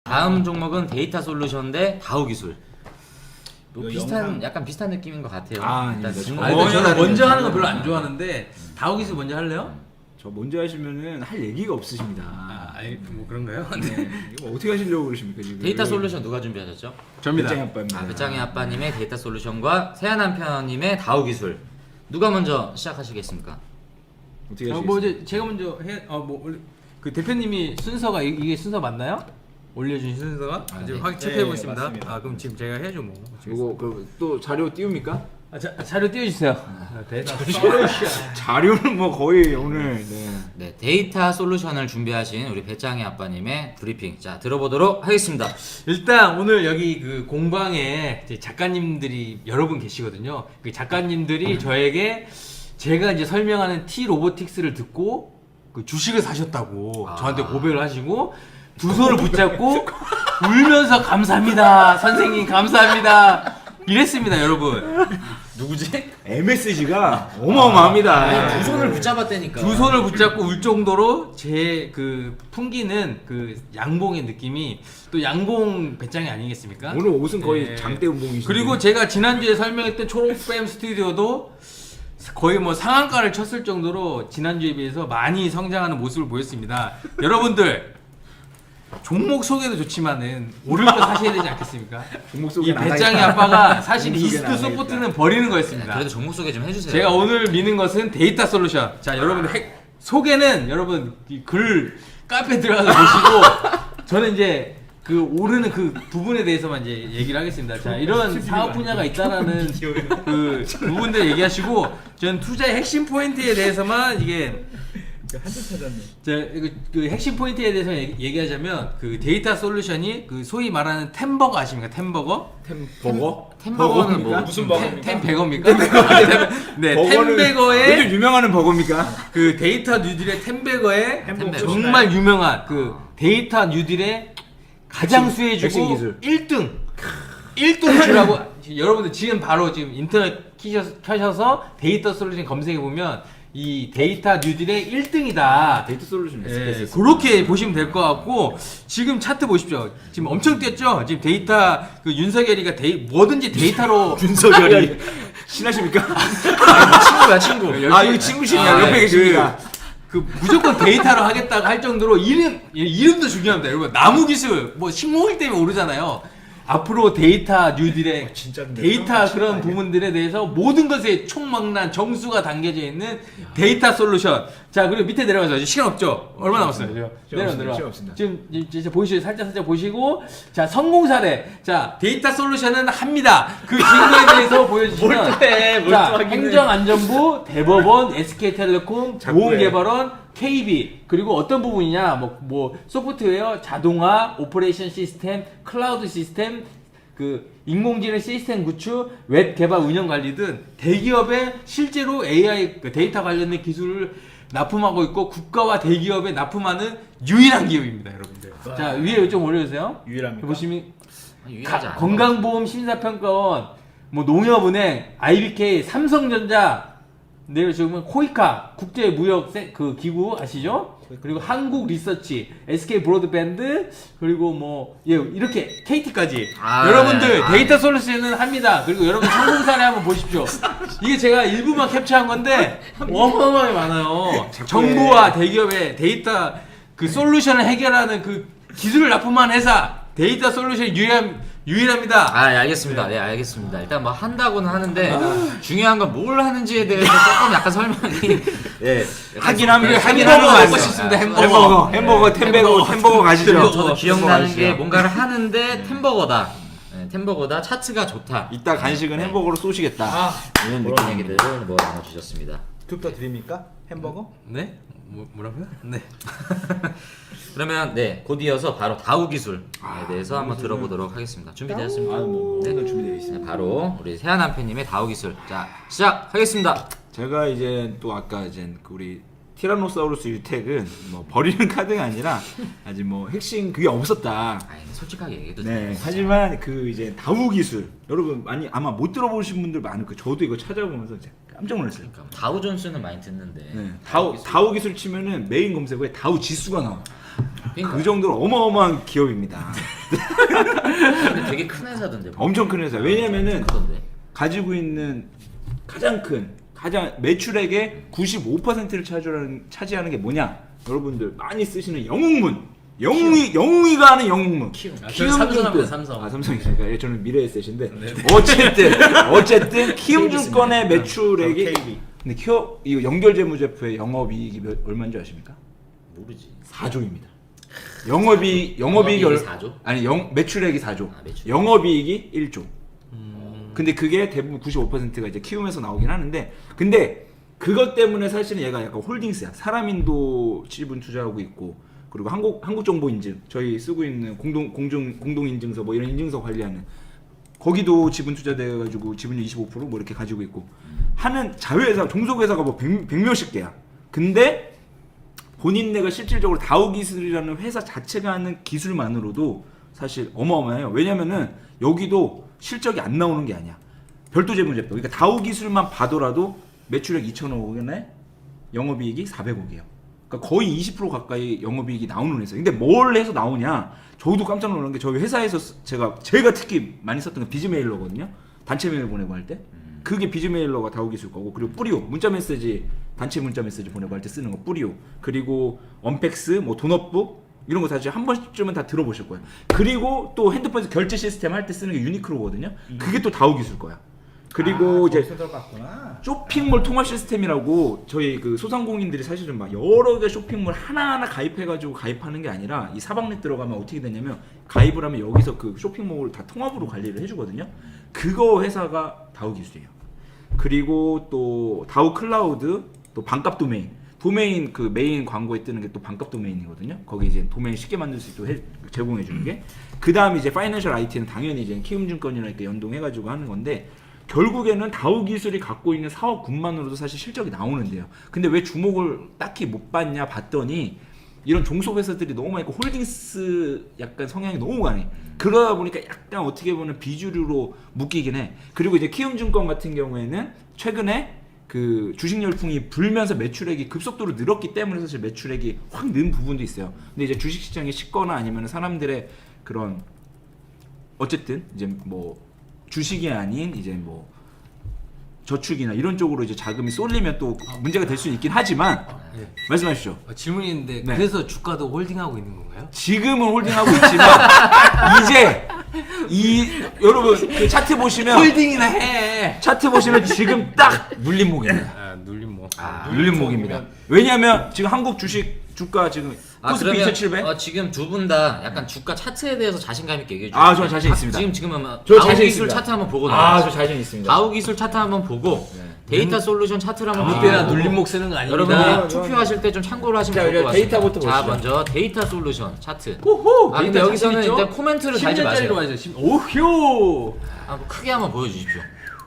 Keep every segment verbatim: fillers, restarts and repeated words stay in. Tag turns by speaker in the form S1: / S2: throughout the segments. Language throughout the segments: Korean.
S1: 다음 종목은 데이터 솔루션 대 다우 기술. 뭐
S2: 이거
S1: 비슷한
S2: 영상-
S1: 약간 비슷한 느낌인 것 같아요.
S2: 아,
S1: 일단
S2: 아닙니다.
S1: 질문-
S2: 저-
S3: 아니,
S2: 어,
S3: 근데 저는
S2: 다른
S3: 먼저 하는 거
S2: 거죠.
S3: 별로 안 좋아하는데 다우기수 먼저 할래요?
S2: 저 먼저 하시면은 할 얘기가 없으십니다.
S3: 아, 아니, 뭐 그런가요?
S2: 네. 이거 어떻게 하시려고 그러십니까 지금?
S1: 데이터 솔루션 누가 준비하셨죠?
S3: 접니다.
S2: 배짱이 아빠입니다.
S1: 아, 배짱이 아빠님의 데이터 솔루션과 세아남편님의 다우 기술. 누가 먼저 시작하시겠습니까?
S2: 어떻게
S3: 어,
S2: 하시겠습니까?
S3: 뭐 이제 제가 먼저 해, 어뭐 그 대표님이 순서가 이- 이게 순서 맞나요? 올려주신 순서가
S1: 아,
S3: 지금
S1: 네.
S3: 확인 체크해
S2: 네,
S3: 보겠습니다.
S2: 맞습니다.
S3: 아 그럼 지금 제가 해야죠 뭐.
S2: 이거 그또 자료 띄웁니까?
S3: 아, 자, 자료 띄워주세요. 아, 대단.
S2: 자료는 뭐 거의 오늘 네.
S1: 네, 데이터 솔루션을 준비하신 우리 배짱이 아빠님의 브리핑. 자, 들어보도록 하겠습니다.
S3: 일단 오늘 여기 그 공방에 이제 작가님들이 여러 분 계시거든요. 그 작가님들이 저에게 제가 이제 설명하는 T 로보틱스를 듣고 그 주식을 사셨다고
S1: 아.
S3: 저한테 고백을 하시고 두 손을 붙잡고 울면서 감사합니다 선생님 감사합니다 이랬습니다 여러분.
S1: 누구지?
S2: 엠에스지가 어마어마합니다.
S1: 아니, 두 손을 붙잡았다니까.
S3: 두 손을 붙잡고 울 정도로 제 그 풍기는 그 양봉의 느낌이 또 양봉 배짱이 아니겠습니까?
S2: 오늘 옷은 거의
S3: 네.
S2: 장대 운봉이시죠.
S3: 그리고 제가 지난주에 설명했던 초록뱀 스튜디오도 거의 뭐 상한가를 쳤을 정도로 지난주에 비해서 많이 성장하는 모습을 보였습니다. 여러분들 종목 소개도 좋지만은 오를 거 사셔야 되지 않겠습니까?
S2: 종목
S3: 이
S2: 소개는 안
S3: 배짱이
S2: 하겠다.
S3: 아빠가 사실
S2: 종목 소개는
S3: 이스트
S2: 안 하겠다.
S3: 소프트는 버리는
S1: 네,
S3: 거였습니다.
S1: 그래도 종목 소개 좀 해주세요.
S3: 제가 오늘 미는 것은 데이터 솔루션. 자, 여러분들 핵, 소개는 여러분 이 글 카페 들어가서 보시고 저는 이제 그 오르는 그 부분에 대해서만 이제 얘기를 하겠습니다. 자, 이런 사업 분야가 있다라는 그 부분들 얘기하시고 저는 투자의 핵심 포인트에 대해서만 이게
S2: 한줄 찾았네.
S3: 자, 그, 그 핵심 포인트에 대해서 얘기- 얘기하자면 그 데이터 솔루션이 그 소위 말하는 템버거 아십니까? 템버거?
S2: 버거?
S1: 템버거는 뭐
S2: 무슨
S3: 템, 템베거입니까? 네, 템베거의
S2: 요즘 유명하는 버거입니까?
S3: 그 데이터 뉴딜의 템베거의
S1: 템베거.
S3: 정말 유명한 그 데이터 뉴딜의 가장
S2: 핵심, 핵심
S3: 수혜주고
S2: 기술.
S3: 일 등 일 등 주라고 여러분들 지금 바로 지금 인터넷 키셔서, 켜셔서 데이터 솔루션 검색해 보면 이 데이터 뉴딜의 일 등이다.
S2: 데이터 솔루션
S3: 예, 그렇게 보시면 될 것 같고 지금 차트 보십시오. 지금 엄청 뛰었죠. 지금 데이터 그 윤석열이가 데이, 뭐든지 데이터로
S2: 윤석열이 친하십니까?
S1: 친구야 친구.
S2: 아 여기 친구시네요.
S3: 아,
S2: 옆에
S3: 네,
S2: 계십니다.
S3: 그 무조건 데이터로 하겠다고 할 정도로 이름 이름도 중요합니다. 여러분 나무 기술 뭐 식목일 때문에 오르잖아요. 앞으로 데이터 뉴딜의
S2: 진짜 근데
S3: 데이터
S2: 진짜
S3: 그런
S2: 아니야.
S3: 부분들에 대해서 모든 것에 총망란 정수가 담겨져 있는 데이터 솔루션. 자 그리고 밑에 내려가서 이제 시간 없죠. 얼마 남았어요? 내려
S2: 시간
S3: 내려
S2: 없습니다.
S3: 내려.
S2: 시간 없습니다.
S3: 지금 이제 보시죠. 살짝 살짝 보시고 자 성공 사례. 자 데이터 솔루션은 합니다. 그 증거에 대해서 보여주시면
S2: 몰두해,
S3: 자
S2: 몰두하기는.
S3: 행정안전부, 대법원, 에스케이텔레콤,
S2: 자꾸 해.
S3: 보험개발원, 케이비 그리고 어떤 부분이냐 뭐, 뭐 소프트웨어, 자동화, 오퍼레이션 시스템, 클라우드 시스템, 그 인공지능 시스템 구축, 웹 개발 운영 관리 등 대기업에 실제로 에이아이 그 데이터 관련된 기술을 납품하고 있고 국가와 대기업에 납품하는 유일한 기업입니다, 여러분들.
S2: 와.
S3: 자 위에 좀 올려주세요.
S2: 유일합니까?
S3: 보시면
S1: 유일하지
S3: 가-
S1: 않은
S3: 건강보험 심사평가원, 뭐 농협은행, 아이비케이, 삼성전자, 내려 지금 코이카 국제무역 세- 그 기구 아시죠? 그리고 한국 리서치, 에스케이 브로드밴드, 그리고 뭐 예, 이렇게 케이티까지
S1: 아,
S3: 여러분들
S1: 아,
S3: 데이터
S1: 네.
S3: 솔루션은 합니다. 그리고 여러분 성공 사례 한번 보십시오. 이게 제가 일부만 캡처한 건데 어마어마하게 많아요. 정부와 대기업의 데이터 그 솔루션을 해결하는 그 기술을 납품한 회사 데이터 솔루션 유일함 유일합니다.
S1: 아, 예, 알겠습니다. 네, 알겠습니다. 일단 뭐 한다고는 하는데 중요한 건 뭘 하는지에 대해서 조금 약간 설명이 예,
S2: 하긴 합니다. 하긴
S3: 햄버거
S2: 하는
S3: 먹고
S2: 거
S3: 싶습니다.
S1: 아,
S3: 햄버거.
S2: 햄버거, 햄버거, 템베거, 햄버거 가시죠.
S1: 저도 기억나는
S2: 햄버거
S1: 게
S2: 가시죠.
S1: 뭔가를 하는데 템버거다. 네, 템버거다. 차트가 좋다.
S2: 이따 간식은 햄버거로 쏘시겠다.
S3: 아,
S2: 이런
S1: 그런
S2: 느낌.
S1: 얘기들을 뭐 나눠주셨습니다.
S4: 팁더 드립니까? 햄버거?
S3: 네? 뭐, 뭐라고요? 네.
S1: 그러면 네, 곧 이어서 바로 다우 기술에
S2: 아,
S1: 대해서 한번
S2: 다우
S1: 들어보도록 하겠습니다. 준비되었습니까?
S2: 아, 뭐
S1: 네.
S2: 오늘 준비되어 있습니다.
S1: 네, 바로 우리 세아남편님의 다우 기술. 자, 시작하겠습니다.
S2: 제가 이제 또 아까 이제 그 우리 티라노사우루스 유택은 뭐 버리는 카드가 아니라 아직 뭐 핵심 그게 없었다.
S1: 아니, 솔직하게 얘기해도
S2: 네.
S1: 돼요.
S2: 하지만 그 이제 다우 기술 여러분 많이 아마 못 들어보신 분들 많을 거예요. 저도 이거 찾아보면서 진짜 깜짝 놀랐어요.
S1: 그러니까 다우 존스는 많이 듣는데
S2: 네. 다우 다우 기술 치면은 메인 검색어에 다우 지수가 나와.
S1: 그러니까.
S2: 그 정도로 어마어마한 기업입니다.
S1: 근데 되게 큰 회사던데. 뭐.
S2: 엄청 큰 회사. 왜냐면은
S1: 크던데.
S2: 가지고 있는 가장 큰 가장 매출액의 구십오 퍼센트를 차지하는 차지하는 게 뭐냐? 여러분들 많이 쓰시는 영웅문. 영웅이 영웅이가 하는 영웅문.
S1: 키움.
S3: 아, 저는 삼성합니다, 삼성.
S2: 아 삼성이니까 예, 저는 미래에셋인데 어쨌든 어쨌든 키움증권의 매출액이
S4: 케이비.
S2: 근데 키움 이거 연결재무제표의 영업이익이 몇, 얼마인지 아십니까?
S1: 모르지.
S2: 사조입니다. 영업이 영업이익이 얼-
S1: 사조?
S2: 아니 영 매출액이 사조.
S1: 아, 매출액.
S2: 영업이익이 일조.
S3: 음.
S2: 근데 그게 대부분 구십오 퍼센트가 이제 키움에서 나오긴 하는데 근데 그것 때문에 사실은 얘가 약간 홀딩스야. 사람인도 지분 투자하고 있고 그리고 한국 한국정보인증 저희 쓰고 있는 공동 공중 공동인증서 뭐 이런 인증서 관리하는 거기도 지분 투자돼 가지고 지분율 이십오 퍼센트 뭐 이렇게 가지고 있고 하는 자회사 종속회사가 뭐 백, 백 몇십 개야. 근데 본인네가 실질적으로 다우기술이라는 회사 자체가 하는 기술만으로도 사실 어마어마해요. 왜냐면은 여기도 실적이 안 나오는 게 아니야. 별도 재무제표. 그러니까 다우기술만 봐더라도 매출액 이천억원에 영업이익이 사백억이에요. 그러니까 거의 이십 퍼센트 가까이 영업이익이 나오는 회사. 근데 뭘 해서 나오냐? 저도 깜짝 놀란 게 저희 회사에서 쓰- 제가 제가 특히 많이 썼던 게 비즈메일러거든요. 단체 메일 보내고 할 때. 그게 비즈메일러가 다우기술 거고 그리고 뿌리오 문자 메시지 단체 문자 메시지 보내고 할 때 쓰는 거 뿌리오 그리고 언팩스 뭐 돈업북 이런 거 다시 한 번쯤은 다 들어보실 거예요. 그리고 또 핸드폰에서 결제 시스템 할 때 쓰는 게 유니크로거든요. 그게 또 다우기술 거야. 그리고
S4: 아,
S2: 이제
S4: 거기서 들어갔구나.
S2: 쇼핑몰 통합 시스템이라고 저희 그 소상공인들이 사실은 막 여러 개 쇼핑몰 하나하나 가입해가지고 가입하는 게 아니라 이 사방넷 들어가면 어떻게 되냐면 가입을 하면 여기서 그 쇼핑몰을 다 통합으로 관리를 해주거든요. 그거 회사가 다우기술이에요. 그리고 또 다우 클라우드 또 반값 도메인 도메인 그 메인 광고에 뜨는 게 또 반값 도메인이거든요. 거기 이제 도메인 쉽게 만들 수 있도록 해- 제공해 주는 게. 그 다음에 이제 파이낸셜 아이티는 당연히 이제 키움증권이랑 이렇게 연동해가지고 하는 건데. 결국에는 다우기술이 갖고 있는 사업군만으로도 사실 실적이 나오는데요. 근데 왜 주목을 딱히 못 받냐 봤더니 이런 종속회사들이 너무 많고 홀딩스 약간 성향이 너무 강해. 그러다 보니까 약간 어떻게 보면 비주류로 묶이긴 해. 그리고 이제 키움증권 같은 경우에는 최근에 그 주식 열풍이 불면서 매출액이 급속도로 늘었기 때문에 사실 매출액이 확 는 부분도 있어요. 근데 이제 주식시장이 식거나 아니면 사람들의 그런 어쨌든 이제 뭐 주식이 아닌 이제 뭐 저축이나 이런 쪽으로 이제 자금이 쏠리면 또 문제가 될 수 있긴 하지만
S5: 네.
S2: 말씀하시죠.
S5: 어, 질문이 있는데
S2: 네.
S5: 그래서 주가도 홀딩하고 있는 건가요?
S2: 지금은 홀딩하고 있지만 이제 이 여러분 그 차트 보시면
S5: 홀딩이나 해.
S2: 차트 보시면 지금 딱 눌림목입니다.
S3: 아 눌림 뭐.
S2: 아, 눌림목입니다. 왜냐하면 지금 한국 주식 주가 지금
S1: 아
S2: 코스피
S1: 그러면
S2: 이천칠백.
S1: 어, 지금 두 분 다 약간 주가 차트에 대해서 자신감 있게 얘기해 주세요.
S2: 아, 저 자신 있습니다.
S1: 지금 지금 아마
S2: 저
S1: 다우
S2: 자신
S1: 기술
S2: 있습니다.
S1: 차트 한번 보고
S2: 아, 저
S1: 나와요.
S2: 자신 있습니다.
S1: 다우 기술 차트 한번 보고 데이터 솔루션 차트를 한번
S5: 아무 때나
S1: 보고
S5: 눌림목 쓰는 거 아닙니다.
S1: 여러분들이
S2: 아,
S1: 투표하실 때 좀 참고를 하시면
S2: 자,
S1: 좋을 것 같습니다.
S2: 데이터부터
S1: 자,
S2: 보시죠.
S1: 먼저 데이터 솔루션 차트.
S3: 호호.
S1: 아 근데 여기서는 일단 코멘트를 달지
S3: 십 년짜리로
S1: 마세요.
S3: 가죠. 십- 오효.
S1: 아, 뭐 크게 한번 보여주십시오.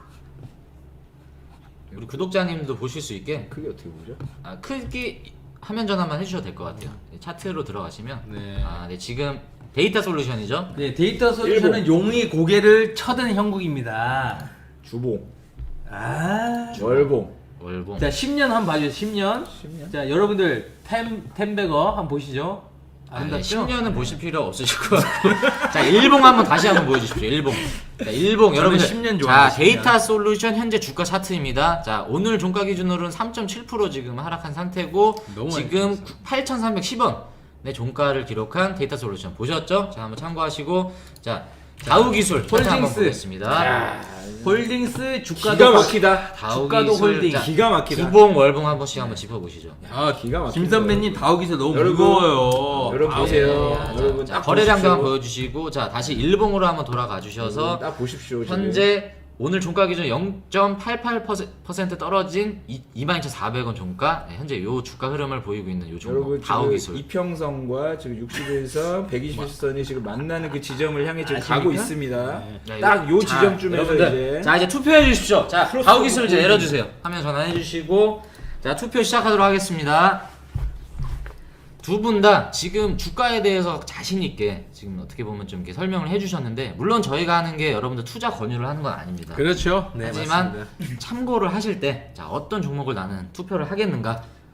S1: 우리 구독자님도 보실 수 있게
S2: 그게 어떻게 보죠?
S1: 아, 크게 화면 전환만 해주셔도 될 것 같아요. 차트로 들어가시면
S3: 네.
S1: 아, 네 지금 데이터 솔루션이죠.
S3: 네 데이터 솔루션은 용이 고개를 쳐든 형국입니다.
S2: 주봉,
S3: 아.
S2: 월봉.
S1: 월봉.
S3: 자 십 년 한번 봐주세요. 십 년.
S2: 십 년?
S3: 자 여러분들 템 템베거 한번 보시죠.
S1: 아, 네,
S3: 아름답죠?
S1: 십 년은 보실 필요 없으실 것 같고. 자, 일봉 한번 다시 한번 보여주십시오. 일봉. 자, 일봉 여러분들.
S3: 십 년
S1: 자,
S3: 좋아합니다, 십 년.
S1: 데이터 솔루션 현재 주가 차트입니다. 자, 오늘 종가 기준으로는 삼 점 칠 퍼센트 지금 하락한 상태고
S3: 너무 많이
S1: 지금 팔천삼백십 원 의 종가를 기록한 데이터 솔루션 보셨죠? 자, 한번 참고하시고 자, 다우 기술 차트 한번
S3: 홀딩스.
S1: 보겠습니다.
S3: 홀딩스 주가도
S2: 기가 막히다.
S1: 다우
S3: 주가도
S1: 기술,
S3: 홀딩.
S1: 자,
S2: 기가 막히다.
S1: 구봉 월봉 한 번씩 한번 짚어보시죠.
S2: 아, 기가 막히다.
S3: 김 선배님 다우기서 너무
S2: 여러분,
S3: 무거워요.
S2: 여러분
S3: 아우,
S2: 보세요.
S1: 자,
S2: 여러분
S1: 자,
S2: 딱
S1: 거래량도
S2: 보십시오.
S1: 한번 보여주시고 자 다시 일봉으로 한번 돌아가 주셔서
S2: 딱 보십시오. 지금.
S1: 현재 오늘 종가 기준 영 점 팔팔 퍼센트 떨어진 이만 이천사백 원 종가 네, 현재 요 주가 흐름을 보이고 있는 요 종목
S2: 여러분
S1: 다우
S2: 지금
S1: 기술.
S2: 이평선과 지금 육십일 선, 백이십일 선이 지금 만나는 그 지점을 향해 지금
S3: 아십니까?
S2: 가고 있습니다.
S1: 자,
S2: 딱
S1: 이거-
S2: 요
S1: 자,
S2: 지점쯤에서
S1: 여러분들,
S2: 이제
S1: 자 이제 투표해 주십시오. 자
S2: 크로스
S1: 다우 기술 이제
S2: 오브
S1: 내려주세요. 화면 전환해 주시고 자 투표 시작하도록 하겠습니다. 두 분 다 지금 주가에 대해서 자신 있게 지금 어떻게 보면 좀 이렇게 설명을 해주셨는데 물론 저희가 하는 게 여러분들 투자 권유를 하는 건 아닙니다.
S3: 그렇죠. 네
S1: 하지만
S3: 맞습니다.
S1: 참고를 하실 때 자 어떤 종목을 나는 투표를 하겠는가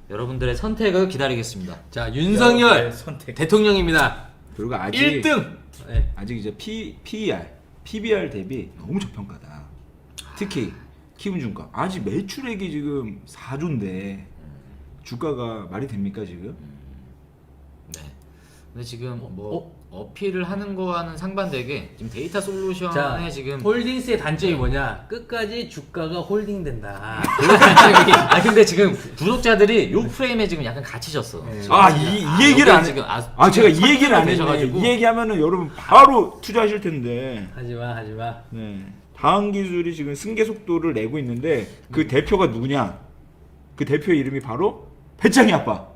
S1: 여러분들의 선택을 기다리겠습니다.
S3: 자 윤석열
S4: 선택.
S3: 대통령입니다.
S2: 그리고 아직
S3: 일 등. 네.
S2: 아직 이제 P, PER, 피비알 대비 너무 저평가다. 특히 키움증권 아직 매출액이 지금 사조인데 주가가 말이 됩니까 지금?
S1: 네. 근데 지금 뭐 어? 필을 하는 거와는 상반되게 지금 데이터 솔루션에
S3: 자
S1: 지금
S3: 홀딩스의 단점이 뭐냐? 끝까지 주가가 홀딩된다.
S1: 아 근데 지금 구독자들이 요 프레임에 지금 약간 갇히셨어.
S3: 네.
S1: 지금
S2: 아 이 이 얘기를
S1: 여기
S2: 안
S1: 지금
S2: 해.
S1: 아,
S2: 아 제가
S1: 지금
S2: 이 얘기를 안 했네.
S1: 되셔가지고.
S2: 이 얘기하면은 여러분 바로 투자하실 텐데.
S3: 하지마 하지마.
S2: 네. 다음 기술이 지금 승계 속도를 내고 있는데 그 대표가 누구냐? 그 대표 이름이 바로 배짱이 아빠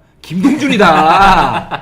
S2: 김동준이다.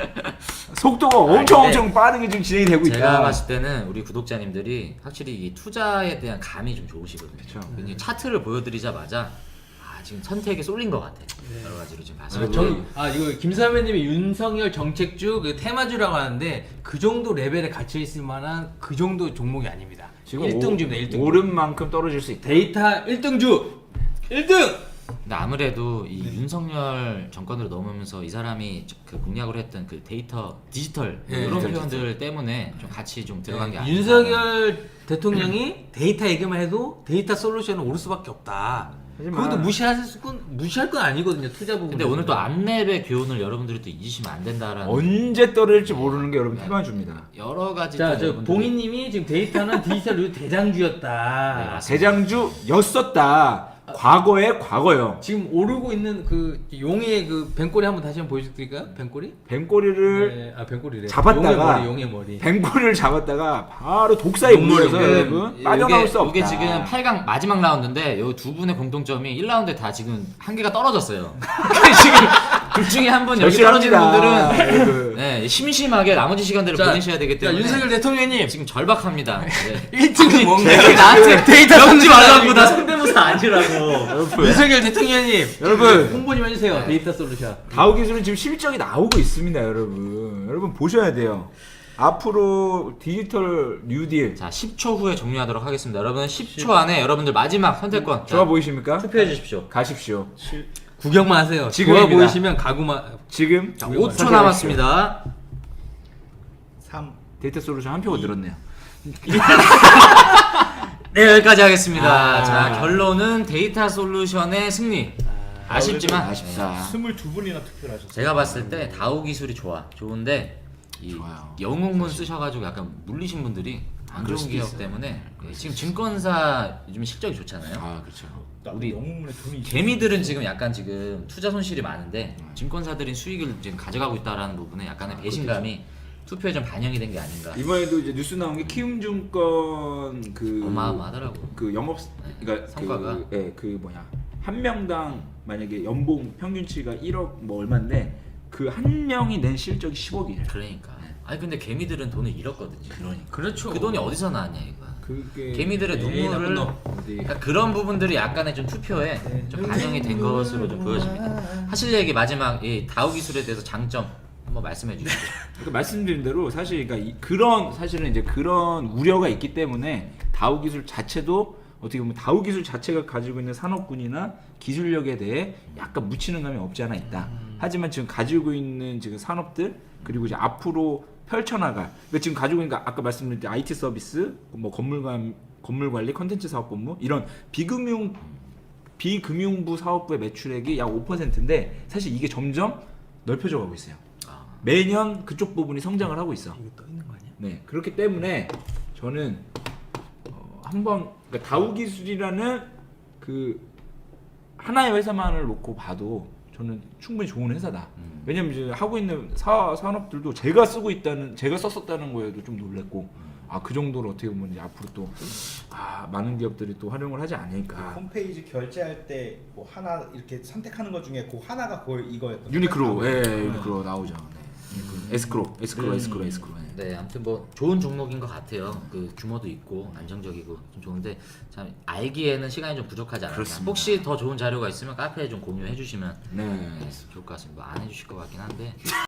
S2: 속도가 엄청
S1: 근데
S2: 엄청 빠르게 지금 진행이 되고 있다.
S1: 제가 봤을 때는 우리 구독자님들이 확실히 이 투자에 대한 감이 좀 좋으시거든요.
S2: 그쵸.
S1: 굉장히 차트를 보여드리자마자 아 지금 선택에 쏠린 것 같아. 여러 가지로 지금 봤을
S3: 아,
S1: 때.
S3: 정, 아 이거 김사배님이 윤석열 정책주 그 테마주라고 하는데 그 정도 레벨에 갇혀 있을 만한 그 정도 종목이 아닙니다.
S2: 지금
S3: 일 등주입니다. 일 등.
S2: 오른 만큼 떨어질 수 있다.
S3: 데이터 일 등주. 일 등.
S1: 근데 아무래도 이 윤석열 정권으로 넘으면서 이 사람이 그 공약으로 했던 그 데이터 디지털
S3: 네,
S1: 이런
S3: 디지털,
S1: 표현들 때문에 좀 같이 좀 들어간 게
S3: 네,
S1: 아닌가.
S3: 윤석열 대통령이 데이터 얘기만 해도 데이터 솔루션은 오를 수밖에 없다.
S2: 하지만-
S3: 그것도 무시할 건 무시할 건 아니거든요. 투자 부분.
S1: 근데 오늘 또 안랩의 교훈을 여러분들이 또 잊으시면 안 된다라는
S2: 언제 떨어질지 모르는 게 여러분 필요한 줍니다.
S1: 여러 가지
S3: 자,
S1: 또
S3: 저
S1: 여러분들이
S3: 봉인님이 지금 데이터는 디지털 류 대장주였다.
S2: 대장주였었다. 과거의 과거요.
S3: 지금 오르고 있는 그 용의 그 뱀꼬리 한번 다시 한번 보여드릴까요? 뱀꼬리?
S2: 뱀꼬리를
S3: 네, 아 뱀꼬리래.
S2: 잡았다가
S3: 용의 머리, 용의 머리.
S2: 뱀꼬리를 잡았다가 바로 독사에
S3: 용머리,
S2: 물려서
S3: 네.
S2: 여러분 빠져나올 수 없다.
S1: 이게 지금 팔 강 마지막 라운드인데 요 두 분의 공통점이 일 라운드에 다 지금 한 개가 떨어졌어요. 지금 둘 중에 한 분 여기 떨어지는
S2: 절실합니다.
S1: 분들은
S2: 여러분.
S1: 네, 심심하게 나머지 시간들을 보내셔야 되기
S3: 자,
S1: 때문에
S3: 윤석열 대통령님
S1: 지금 절박합니다. 네.
S3: 일 등은 뭔가요?
S1: 왜 나한테
S3: 데이터
S1: 엮지 말라고
S3: 솔루션
S1: 나 성대모사 아니라고.
S3: 윤석열 대통령님
S2: 여러분.
S3: 홍보 좀 해주세요. 데이터 솔루션.
S2: 다우 기술은 지금 실적이 나오고 있습니다, 여러분. 여러분 보셔야 돼요. 앞으로 디지털 뉴딜
S1: 자, 십 초 후에 종료하도록 하겠습니다. 여러분 십 초 안에 여러분들 마지막 선택권
S2: 좋아
S1: 자,
S2: 보이십니까?
S1: 투표해 주십시오.
S2: 가십시오.
S3: 구경만 하세요. 좋아
S2: 지금입니다.
S3: 보이시면 가구만.
S2: 지금
S1: 자, 오 초 남았습니다.
S4: 삼.
S2: 데이터 솔루션 한 표가 늘었네요.
S1: 네, 여기까지 하겠습니다.
S2: 아.
S1: 자, 결론은 데이터 솔루션의 승리. 아쉽지만
S2: 아쉽다.
S4: 스물두 분이나 투표를 하셨어요.
S1: 제가 봤을 때 다우 기술이 좋아. 좋은데 이
S2: 좋아요.
S1: 영웅문 쓰셔가지고 약간 물리신 분들이 안
S2: 그럴
S1: 좋은
S2: 수도
S1: 기업
S2: 있어요.
S1: 때문에 예, 지금 증권사 요즘 실적이 좋잖아요.
S2: 아, 그렇죠.
S1: 우리
S4: 영웅문에 돈이
S1: 개미들은 지금 약간 지금 투자 손실이 많은데 증권사들이 수익을 지금 가져가고 있다라는 부분에 약간의 배신감이 투표에 좀 반영이 된 게 아닌가.
S2: 이번에도 이제 뉴스 나온 게 키움증권 그
S1: 어마어마하더라고.
S2: 그 영업 그러니까
S1: 성과가.
S2: 그, 예, 그 뭐냐 한 명당 만약에 연봉 평균치가 일억 뭐 얼마인데 그 한 명이 낸 실적이 십억이에요.
S1: 그러니까. 아니 근데 개미들은 돈을 잃었거든요. 그러니까.
S3: 그렇죠.
S1: 그 돈이 어디서 나왔냐 이거.
S2: 그게
S1: 개미들의
S3: 에이, 나쁜
S1: 눈물을
S3: 놈.
S2: 어디
S1: 그러니까 그런 부분들이 약간의 좀 투표에 좀 반영이 된 것으로 좀 보여집니다. 하실 얘기 마지막 이 다우 기술에 대해서 장점 한번 말씀해 주시죠.
S2: 그러니까 말씀드린 대로 사실 그러니까 이- 그런 사실은 이제 그런 우려가 있기 때문에 다우 기술 자체도 어떻게 보면 다우 기술 자체가 가지고 있는 산업군이나 기술력에 대해 약간 묻히는 감이 없지 않아 있다. 하지만 지금 가지고 있는 지금 산업들 그리고 이제 앞으로 펼쳐나갈 그러니까 지금 가지고 있는 아까 말씀드린 아이티 서비스, 뭐 건물관 건물 관리, 컨텐츠 사업 본부 이런 비금융 비금융부 사업부의 매출액이 약 오 퍼센트인데 사실 이게 점점 넓혀져 가고 있어요. 매년 그쪽 부분이 성장을 하고 있어.
S3: 이거 떠 있는 거 아니야?
S2: 네, 그렇기 때문에 저는 어, 한번 그러니까 다우 기술이라는 그 하나의 회사만을 놓고 봐도 저는 충분히 좋은 회사다.
S1: 음.
S2: 왜냐면 이제 하고 있는 사, 산업들도 제가 쓰고 있다는 제가 썼었다는 거에도 좀 놀랬고 아 그 정도로 어떻게 보면 이제 앞으로 또 아, 많은 기업들이 또 활용을 하지 않을까.
S4: 홈페이지 결제할 때 뭐 하나 이렇게 선택하는 것 중에 그 하나가 거의 이거였던
S2: 유니크로,
S4: 거예요.
S2: 예, 유니크로 나오죠. 네. 유니크로. 에스크로, 에스크로, 에스크로, 에스크로. 네.
S1: 네, 아무튼 뭐 좋은 종목인 것 같아요. 그 규모도 있고 안정적이고 좀 좋은데 참 알기에는 시간이 좀 부족하지 않았나.
S2: 그렇습니다.
S1: 혹시 더 좋은 자료가 있으면 카페에 좀 공유해 주시면
S2: 네.
S1: 네, 좋을 것 같습니다. 뭐 안 해주실 것 같긴 한데